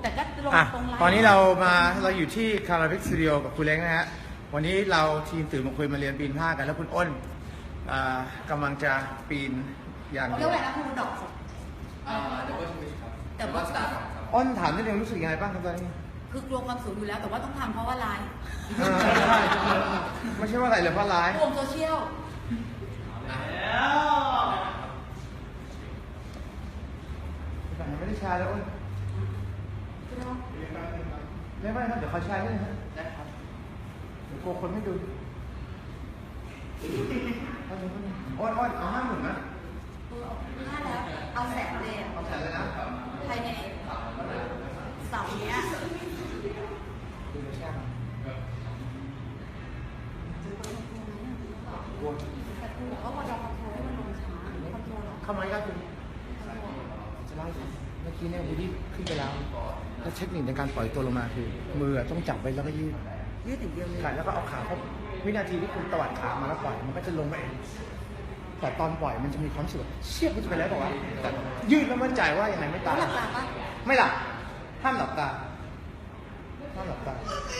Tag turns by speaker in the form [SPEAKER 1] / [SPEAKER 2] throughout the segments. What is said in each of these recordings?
[SPEAKER 1] แต่ก็ลง
[SPEAKER 2] อ่ะ
[SPEAKER 1] ตรงไลน์
[SPEAKER 2] ตอนนี้เราอยู่ที่คาราบิกสตูดิโอกับคุณเล้งนะฮะวันนี้เราทีมตื่นมาคุยมาเรียนปีนผ้ากันแล้วคุณอ้นกำลังจะปีนอย่าง
[SPEAKER 1] เรียกว่าอะไรนะครูดอก
[SPEAKER 3] ดับเบิลทวิสครับ
[SPEAKER 1] แต่ว่า
[SPEAKER 3] สตาร์ครับ
[SPEAKER 2] อ้นถามนิดนึงรู้สึกยังไงบ้างครับตอนนี้
[SPEAKER 1] คือกลัวความสูงอยู่แล้วแต่ว่าต้องทำเพราะว่าไลน์
[SPEAKER 2] ไม่ใช่ว่าอะไรเลยเพราะร้าย
[SPEAKER 1] รวมโซเชียล
[SPEAKER 2] ไม่ได้แชร์แล้วอ้นไม่ครับเดี๋ยวเขาแชร์ให้นะได้ครับเดี๋ยวกลัวคนไม่ดูอ้นเอา50,000นะ
[SPEAKER 1] ถ้าแล้วเอาแสนเลยอะ
[SPEAKER 2] เอาแสนเลยนะ
[SPEAKER 1] ภายในเสาร์เนี้ย
[SPEAKER 2] ดูแชร์มา
[SPEAKER 1] แต่ครูบอกว่าพอเราคอนโทรลให้มันลงช้าคอนโทรลหรอ
[SPEAKER 2] เข้ามาครับคุณจะเล่าให้ฟังเมื่อกี้เนี่ยวูดดี้ขึ้นไปแล้วแล้วเทคนิคในการปล่อยตัวลงมาคือมือต้องจับไว้แล้วก็ยืด
[SPEAKER 1] ยืดอย่างเดียวเลย
[SPEAKER 2] ขาแล้วก็เอาขาเข้าวินาทีที่คุณตวัดขามาแล้วปล่อยมันก็จะลงมาเองแต่ตอนปล่อยมันจะมีความรู้สึกเชี่ยมันจะไปแล้วบอกว่าแต่ยืดแล้วมั่นใจว่ายังไงไม่
[SPEAKER 1] แล้
[SPEAKER 2] ตายว
[SPEAKER 1] หลับตาปะ
[SPEAKER 2] ไม่หลับห้ามหลับตาห้ามหลับตา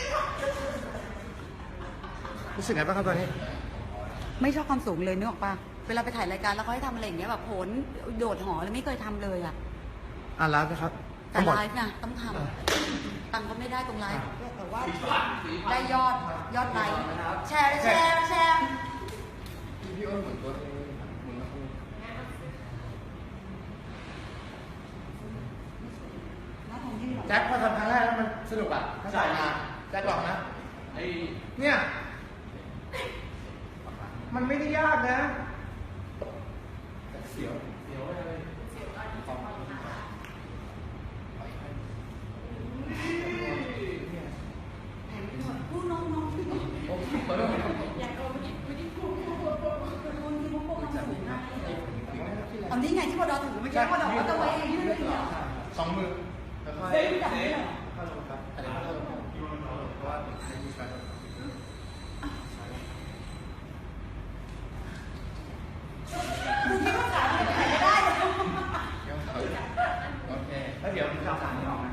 [SPEAKER 2] รู้สึกไงบ้างครับตอนนี้
[SPEAKER 1] ไม่ชอบความสูงเลยนึกออกปะเวลาไปถ่ายรายการแล้วเขาให้ทำอะไรอย่างเงี้ยแบบโหนโดดหอเลยไม่เคยทำเลยอะ
[SPEAKER 2] แล้วนะครับ
[SPEAKER 1] แต่ไลฟ์นะต้องทำตังค์ก็ไม่ได้ตรงไลฟ์แต่ว่าได้ยอดไลฟ์แชร์
[SPEAKER 3] พี่อ้นเหมือนตัวเองเหมือนคุณ
[SPEAKER 2] แจ็คพอทำครั้งแรกแล้วมันสนุกอ่ะถ้าใส่มาแจ็คบอกนะเนี่ยมันไม่ได้ยากนะเสียวเลย
[SPEAKER 1] พูดน้องอยากเอาไม่ได้พูดคนที่พวกทำสูงนะอันนี้ไงที่พอดอถือไม่ใช่พอดอว่าจะไว้ยืดเหรอ
[SPEAKER 2] สองมือแล้วก็
[SPEAKER 1] เซ็งแบบนี้เหรอ
[SPEAKER 2] เข้าลงครับอันนี้เข้าลงเพราะว่าไม่มีการ
[SPEAKER 1] คุณคิดว่าขาจะถ่ายไม่ได้เหรอ
[SPEAKER 3] โอเค
[SPEAKER 2] แล้วเดี๋ยวผมจะเอาสารนี้ออกนะ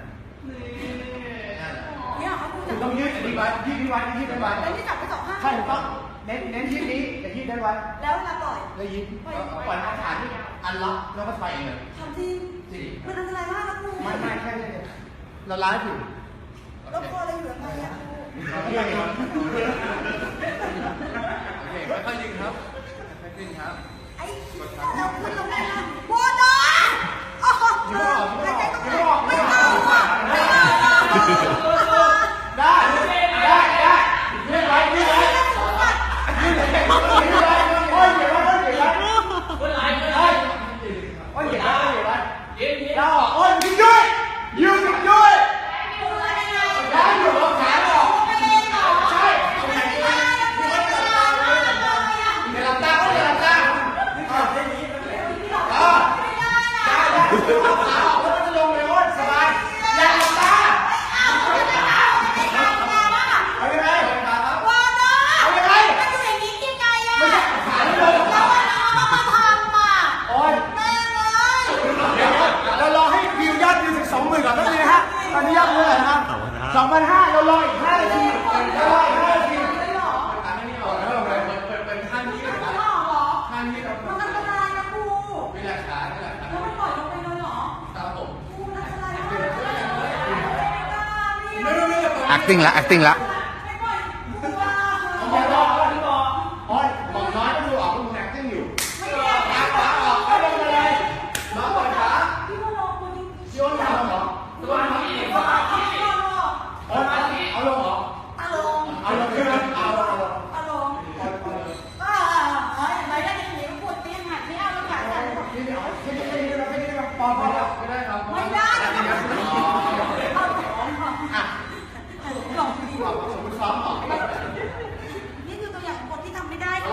[SPEAKER 1] เนี่ยเขาพูด
[SPEAKER 2] คุ
[SPEAKER 1] จา
[SPEAKER 2] ณ
[SPEAKER 1] ก
[SPEAKER 2] ต้องยืดอันนี้ไว้ยืดนี้ไว้ยืดนี้ไว้
[SPEAKER 1] แล้วนี่จับไป2 ข้าง
[SPEAKER 2] ใช่ถูกต้องเน้นยืดนี้แต่ยืดได้ไว้
[SPEAKER 1] แล้วเวลาปล่อย
[SPEAKER 2] แล้วยืดปล่อยขานี่อันล็อกแล้วก็ไปเองเลย
[SPEAKER 1] ทำจริงมันอันตรายมากนะครู
[SPEAKER 2] ไม่แค่นี้เราไลฟ์อยู่
[SPEAKER 1] แล้วพออะไรอยู่ยังไงอะ
[SPEAKER 3] โอเคค่อยๆดึงครับค่อยๆดึงครับ
[SPEAKER 1] ไอ้เราขึ้นลงได้นะโบดอโอ้โหไม่ใช่ต้องไม่เอาอ่ะไม่เอาอ่ะ
[SPEAKER 2] ได้ยืดไว้ยืดไว้ยืดไว้โอ้ยเดี๋ยวไว้เดี๋ยวไว้โอ้ยเดี๋ยวไว้โอ้ยเดี๋ยวไว้เราโอ้ยยืดด้วยยืดด้วยได้อยู่เอาขาออกใช่เดี๋ยวหลับตาก็เดี๋ยวหลับตาเอาขาออกแล้วมันจะลงเลยโอ้ยสบายอย่าหลับตาเอายังไงเอายังไงไม่ใช่ขาที่ลงโอ้ยเดี๋ยวเรารอให้วิวยอดวิวถึง 20,000 ก่อนแป๊บนึงนะฮะตอนนี้ยอดวิวเท่าไหร่นะครับ 2,500เรารออีก5 นาทีเรารออีก5 นาที
[SPEAKER 3] อันนี้ออกแล้วเลยเปิดข้างนี้เลยข้างนี้เราเป็นหลักฐานเป็นหลักฐานครับผม
[SPEAKER 2] acting ละ acting ละโอ้ยบอกน้อยก็ดูออกว่ามึง acting อยู่ขาออกเอาลงมาเลยน้องปล่อยขาโยนขาลงเหรอตัวน้องอีกเอาลงเหรอเอาลงขึ้นเอาลงนี่เดี๋ยวแค่นี้เราแค่นี้เราปอนพอแล้ว
[SPEAKER 3] ไม่ได้ครับ
[SPEAKER 1] ไม่ได้
[SPEAKER 2] อ่ะ
[SPEAKER 1] ลองดี
[SPEAKER 2] บอกสมมติซ้อมออก
[SPEAKER 1] นี่คือตัวอย่างของคนที่ทำไม่ได้นะ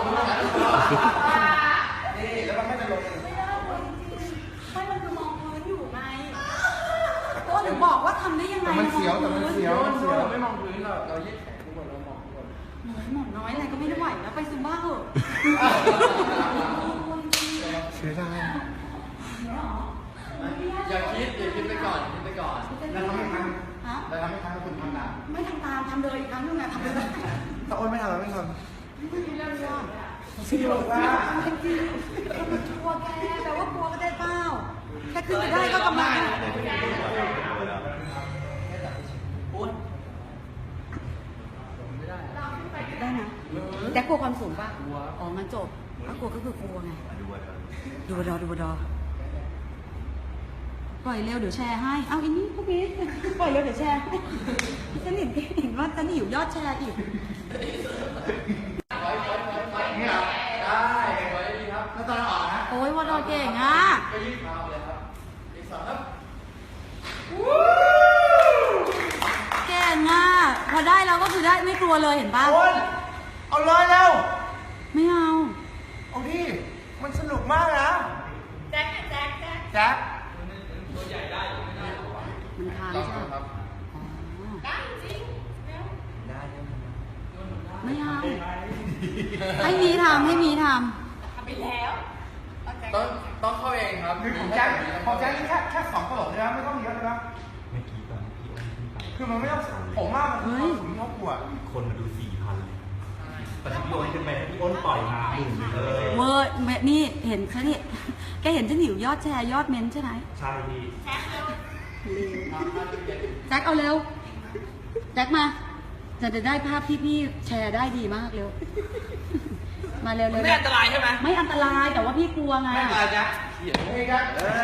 [SPEAKER 2] นี่แล้วมันไม่จะลง
[SPEAKER 1] ไม่ได้ไม่มันคือมองพื้นอยู่ไงตัวถึงบอกว่าทำได้ยังไง
[SPEAKER 2] มันเสียวแต่มันเสียวมันเสียว
[SPEAKER 3] เราไม่มองพื้นเรายืดแขนทุกคนเรามองทุกคน
[SPEAKER 1] หมอน้อยอะไรก็ไม่ได้ไหวแล้วไปซุมบ้าเหอะ
[SPEAKER 2] เสียดาย
[SPEAKER 1] เนี่ยหรอ
[SPEAKER 3] อย่าคิดไปก่อนคิดไปก่อน
[SPEAKER 2] แล้วทำไม่ทัน
[SPEAKER 1] ฮะ
[SPEAKER 2] แล้วทำไม่ทันแล้วคุณทำตาม
[SPEAKER 1] ไม่ทำตามทำเลยอีกครั้งนึงอะทำเลย
[SPEAKER 2] ถ้าโอนไม่ทำเราไม่ทำ
[SPEAKER 1] พี่บอกว่ามันกลัวแกแต่ว่ากลัวก็ได้เปล่าแค่ขึ้นไปได้ก็กำลังได้นะแต่กลัวความสูงป่ะอ๋องั้นจบถ้ากลัวก็คือกลัวไงดูบดอปล่อยเร็วเดี๋ยวแชร์ให้เอาอันนี้พวกนี้ปล่อยเร็วเดี๋ยวแชร์ให้ฉันเห็นว่าฉันหิวยอดแชร์อีก
[SPEAKER 2] นี่เหรอ
[SPEAKER 3] ได้ไว้ดีครับ
[SPEAKER 2] แล้วตอนออกนะ
[SPEAKER 1] โอ้ยวอดอเก่งอ่ะ
[SPEAKER 3] ก็ยืดเท้าเลยครับอีกสองครับ
[SPEAKER 1] เก่งอ่ะพอได้แล้วก็คือได้ไม่กลัวเลยเห็นป่ะ
[SPEAKER 2] โอนเอาเลยเร็ว
[SPEAKER 1] ไม่เอา
[SPEAKER 2] เอาดิมันสนุกมากนะแจ็ค
[SPEAKER 1] มันค้าง
[SPEAKER 3] ลอง
[SPEAKER 1] ใช่
[SPEAKER 3] ดู
[SPEAKER 1] ไหม
[SPEAKER 3] ครับ
[SPEAKER 1] ไม่เอาให้มีทำ
[SPEAKER 3] ต้องเข้าเองครับ
[SPEAKER 2] คือของแจ็คนี่แค่2ตลบเลยนะไม่ต้องเยอะเลยนะ
[SPEAKER 4] เมื่อกี้ตอนที่อ้นขึ้นไป
[SPEAKER 2] คือมันไม่ต้องผมว่ามันคือถึงเขากลัว
[SPEAKER 4] คนมาดู 4,000 เลยแต่ที่พี่อ้นขึ้นไปพี่อ้นปล่อยมา1เลย
[SPEAKER 1] เวอร์นี่เห็นฉันนี่แกเห็นฉันหิวยอดแชร์ยอดเมนต์ใช่ไหม
[SPEAKER 4] ใช่พี่
[SPEAKER 1] แจ็คเอาเร็วแจ็คมาจะได้ภาพที่พี่แชร์ได้ดีมากเร็วมาเร็ว
[SPEAKER 3] ไม่อันตรายใช่ไหม
[SPEAKER 1] ไม่อันตรายแต่ว่าพี่กลัวไง
[SPEAKER 3] ไม่อันตรายจ้ะเขียน
[SPEAKER 2] นี่ครับ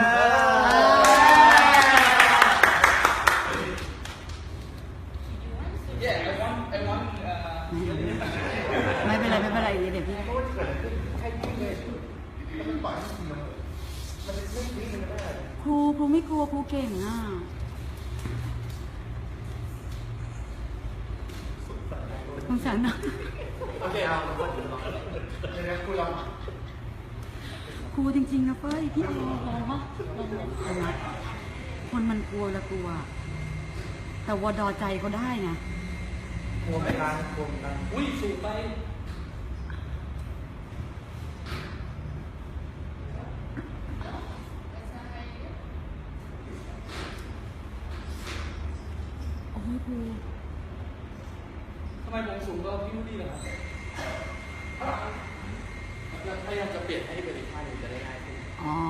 [SPEAKER 3] เย้ไอ้วัน
[SPEAKER 1] ไม่เป็นไรเดี๋ยวพี่
[SPEAKER 2] เพราะว่าจะเกิดอะไรขึ้นแค่ยืดเลยแล้วมันปล่อยให้มันมันไม่ตีมันไม่ได้
[SPEAKER 1] ครูไม่กลัวครูเก่งอ่ะสงสารนะ
[SPEAKER 3] โอเคเอา
[SPEAKER 2] เดี๋ยวคุณลอง
[SPEAKER 1] ครูจริงๆนะเฟ้ยพี่ลองวะลองนะคนมันกลัวละกลัว แต่วอดอใจเขาได้ไง
[SPEAKER 2] กลัวไม่การกลัวไม่การ
[SPEAKER 3] อุ้ยสูงไป
[SPEAKER 1] โอ้ยครู
[SPEAKER 3] ทำไมผมสูงกว่าพี่มูดี้ล่ะครับพยายามจะเปลี่ยนให้เป็นอีกท่าหนึ่งจะได้ง่ายขึ้น
[SPEAKER 1] อ๋อ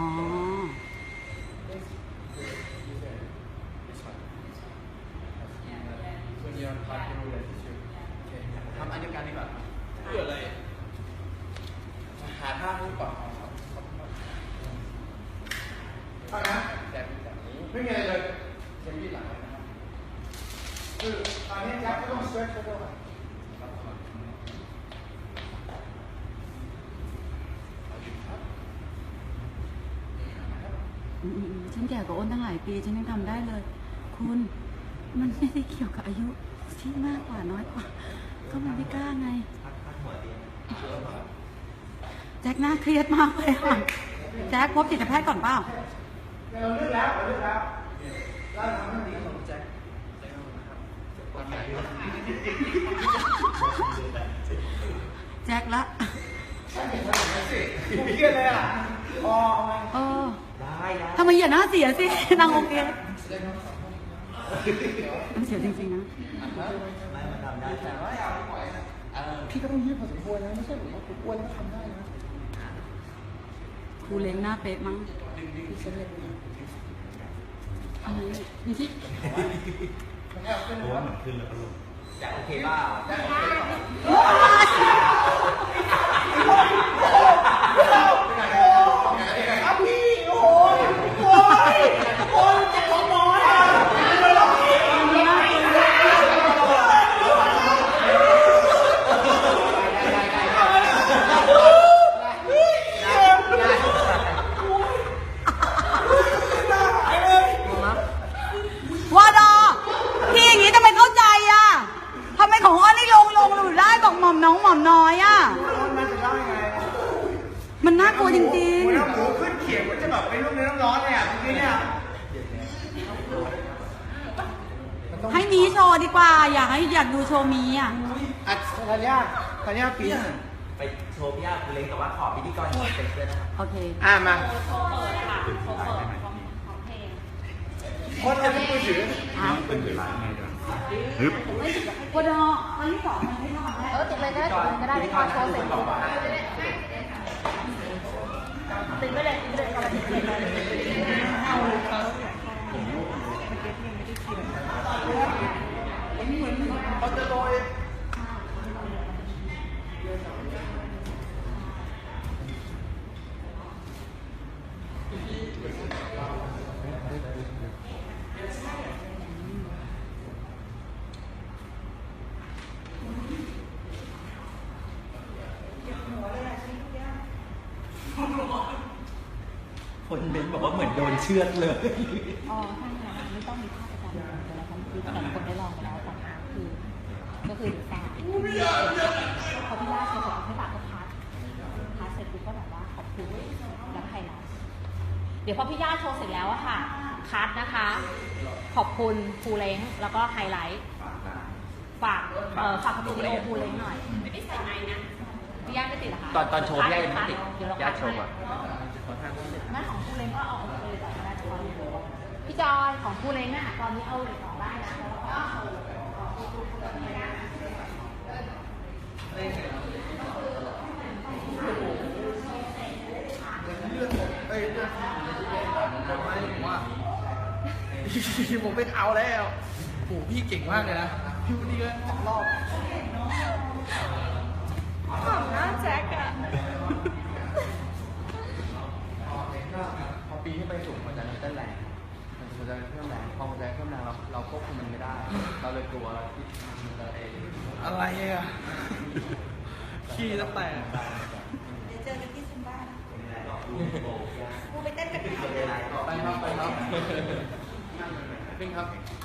[SPEAKER 3] When you're parking relationship โอเคทำอันเดียวกันดีกว่าเพื่ออะไรหาท่าให้ก่อนครับ
[SPEAKER 2] เอานะ
[SPEAKER 3] แบบนี้
[SPEAKER 2] ไม่มีอะไรเลย
[SPEAKER 3] เช่นยืดหลังไว้นะครับ
[SPEAKER 2] คือตอนนี้แจ็คก็ต้อง stretch ก็ได้
[SPEAKER 1] ฉันแก่กว่าอ้นตั้งหลายปีฉันยังทำได้เลย คุณมันไม่ได้เกี่ยวกับอายุที่มากกว่าน้อยกว่า ก็มันไม่กล้าไง แจ็คน่าเครียดมากเลยค่ะแจ็คพบจิตแพทย์ก่อนเปล่า
[SPEAKER 2] เราเลือกแล้วเราทำให้ดี
[SPEAKER 3] แจ็คตามไหน
[SPEAKER 1] แจ็คละ
[SPEAKER 2] ผมเครียดเลยอ่ะอ๋อเอาไง
[SPEAKER 1] เออ
[SPEAKER 4] ได้
[SPEAKER 1] ทำไมอย่าหน้าเสียสิ นางโอเคมันเสียจริงๆนะ
[SPEAKER 4] ไม่มันทำได้แต่ว่า
[SPEAKER 2] พี่ก็ต้องยืดพอสมควรนะไม่ใช่ผมว่าผมอ้วนแล้วทำได้นะ
[SPEAKER 1] ครูเล้งหน้าเป๊ะมั้งอะไรนี่ที่
[SPEAKER 4] โอ้เหมือนขึ้นแล้วก็ลงจะโอเคเปล่า
[SPEAKER 2] ครับพี่โอ้ยเจ็บของน้อยอ่ะ
[SPEAKER 1] วอดอพี่อย่างนี้ทำไมเข้าใจอ่ะทำไมของอ้อนนี่ลงหรือได้บอกหม่อมน้องหม่อมน้อยอ่ะ
[SPEAKER 2] มันจะได้ไง
[SPEAKER 1] มันน่ากลัวจริง
[SPEAKER 2] หัวน้ำหมูขึ้นเขียงมันจะแบบไปลูกในน้ำร้อนเลยอ่ะเมื่อกี้เนี่ย
[SPEAKER 1] ๆ ให้มีโชว์ดีกว่า อยากดูโชว์มีอ่ะ
[SPEAKER 2] อ่ะธัญญาปีน
[SPEAKER 4] ไปโชว์พี่อาคุณเล้งแต่ว่าขอพิธีกรเป็นเพื่อนนะครับ
[SPEAKER 1] โอเค
[SPEAKER 2] มา
[SPEAKER 4] ถึงสุดท้ายได้ไหม
[SPEAKER 2] เพราะเราไม่มือถือ
[SPEAKER 4] เป็นเวลาไงด้วยฮึบ
[SPEAKER 1] พอดอวันที่สองมันไม่รอดแล้ว
[SPEAKER 5] ติดเลยก็ได้ติดเลยก็ได้ที่พอโชว์เสร็จติดไปเลยติดเลยกำลังติดเลยเอาเขา
[SPEAKER 2] เขาจะโรย
[SPEAKER 4] คนเบนบอกว่าเหมือนโดนเชือดเลย
[SPEAKER 5] อ๋อใช่ค่ะไม่ต้องมีภาพประจำวันแต่ละคนคือแต่ละคนได้ลองไปแล้วแต่คือก็คือดูตามพอพี่ย่าเขาบอกให้ปากก็พัดเสร็จปุ๊บก็แบบว่าขอบคุณแล้วไฮไลท์เดี๋ยวพอพี่ย่าโชว์เสร็จแล้วอะค่ะคัดนะคะ ขอบคุณภูเล้งแล้วก็ไฮไลท์ฝากสตูดิโอภูเล้งหน่อยไม่ได้ใส่ไม้นะพี่ย่าไม่ติดเหรอคะ
[SPEAKER 3] ตอนโชว์พี่ย่ายังไม่ติด
[SPEAKER 5] เดี๋ยวเรา
[SPEAKER 3] ย่า
[SPEAKER 5] คัด
[SPEAKER 3] โชว์ก่อน
[SPEAKER 5] แม่ของภูเล้งก็เอาออกเลยแต่ก็ได้ตอนนี้พี่จอยของภูเล้งอะตอนนี้เอาเหลือออกได้นะ
[SPEAKER 2] ผมไม่เอาแล้วโอ้พี่เก่งมากเลยนะพี่วันนี้ก็2 รอบ
[SPEAKER 5] ขำหน้าแจ็คอะ
[SPEAKER 3] พอปีที่ไปสูงมันจะเต้นแรงมันจะเพิ่มแรงพอมันจะเพิ่มแรงเราควบคุมมันไม่ได้ เราเลยกลัวที่มันจะเอง
[SPEAKER 2] อะไรอ่ะขี้จะแตก
[SPEAKER 1] เดี๋ยวเจอกันที่ซุมบ้ากูไปเต้นกัน
[SPEAKER 3] ไปครับ ไปครับ เป็นครับ